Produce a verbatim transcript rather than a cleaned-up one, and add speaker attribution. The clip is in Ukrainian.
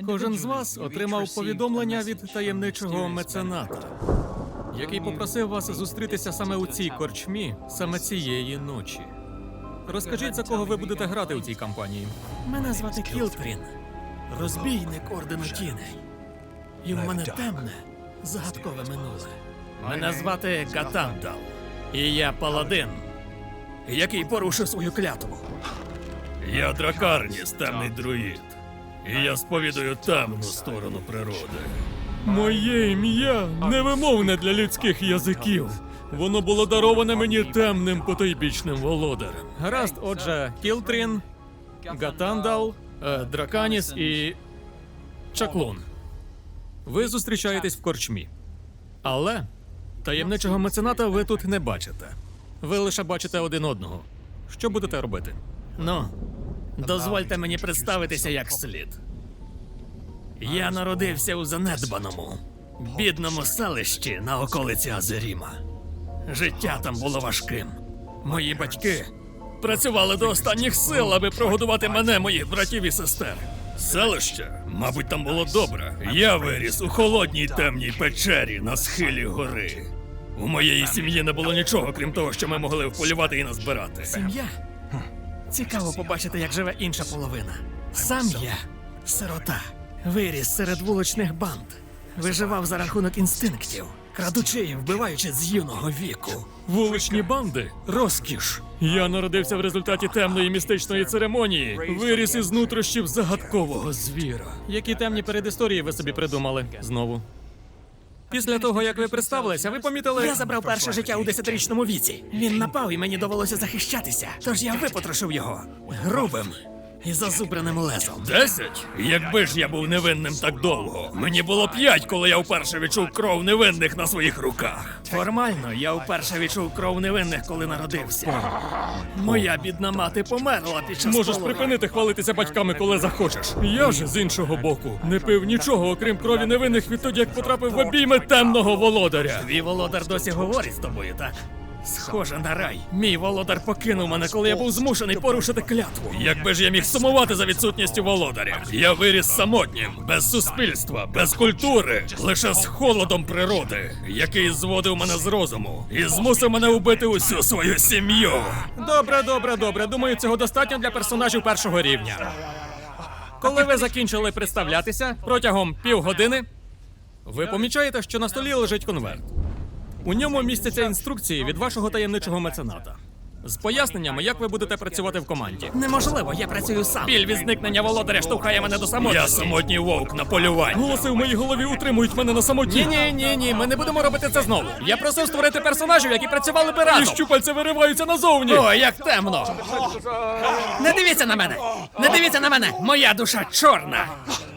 Speaker 1: Кожен з вас отримав повідомлення від таємничого мецената, який попросив вас зустрітися саме у цій корчмі, саме цієї ночі. Розкажіть, за кого ви будете грати у цій кампанії.
Speaker 2: Мене звати Кілтрін, розбійник Ордену Тіней. І в мене темне, загадкове минуле. Мене звати Гатандал. І я паладин, який порушив свою клятву.
Speaker 3: Я Дракарніс, темний друїд. І я сповідую темну сторону природи.
Speaker 1: Моє ім'я невимовне для людських язиків. Воно було дароване мені темним потойбічним володарем. Гаразд, отже, Кілтрін, Гатандал, е, Драканіс і Чаклун. Ви зустрічаєтесь в корчмі. Але таємничого мецената ви тут не бачите. Ви лише бачите один одного. Що будете робити?
Speaker 2: Ну, дозвольте мені представитися як слід. Я народився у занедбаному, бідному селищі на околиці Азеріма. Життя там було важким. Мої батьки працювали до останніх сил, аби прогодувати мене, моїх братів і сестер.
Speaker 3: Селище? Мабуть, там було добре. Я виріс у холодній темній печері на схилі гори. У моєї сім'ї не було нічого, крім того, що ми могли вполювати і назбирати.
Speaker 2: Сім'я? Цікаво побачити, як живе інша половина. Сам я сирота. Виріс серед вуличних банд. Виживав за рахунок інстинктів, крадучи і вбиваючи з юного віку.
Speaker 1: Вуличні банди? Розкіш. Я народився в результаті темної містичної церемонії. Виріс із нутрощів загадкового звіра. Які темні передісторії ви собі придумали? Знову. Після того, як ви представилися, ви помітили...
Speaker 2: Я забрав перше життя у десятирічному віці. Він напав і мені довелося захищатися. Тож я випотрошив його грубим і зазубреним лезом.
Speaker 3: Десять? Якби ж я був невинним так довго. Мені було п'ять, коли я вперше відчув кров невинних на своїх руках.
Speaker 2: Формально я вперше відчув кров невинних, коли народився. Моя бідна мати померла під час
Speaker 1: Можеш
Speaker 2: пологів.
Speaker 1: припинити хвалитися батьками, коли захочеш. Я ж, з іншого боку, не пив нічого, окрім крові невинних відтоді, як потрапив в обійми темного володаря.
Speaker 2: Твій володар досі говорить з тобою, так? Схоже на рай. Мій володар покинув мене, коли я був змушений порушити клятву.
Speaker 3: Якби ж я міг сумувати за відсутністю володаря. Я виріс самотнім, без суспільства, без культури, лише з холодом природи, який зводив мене з розуму і змусив мене убити усю свою сім'ю.
Speaker 1: Добре, добре, добре. Думаю, цього достатньо для персонажів першого рівня. Коли ви закінчили представлятися протягом півгодини, ви помічаєте, що на столі лежить конверт. У ньому містяться інструкції від вашого таємничого мецената з поясненнями, як ви будете працювати в команді.
Speaker 2: Неможливо, я працюю сам.
Speaker 1: Біль від зникнення володаря штовхає мене до самотності.
Speaker 3: Я самотній вовк на полюванні.
Speaker 1: Голоси в моїй голові утримують мене на самоті. Ні, ні, ні, ні, ми не будемо робити це знову. Я просив створити персонажів, які працювали би разом. І щупальця вириваються назовні.
Speaker 2: О, як темно! Не дивіться на мене! Не дивіться на мене! Моя душа чорна!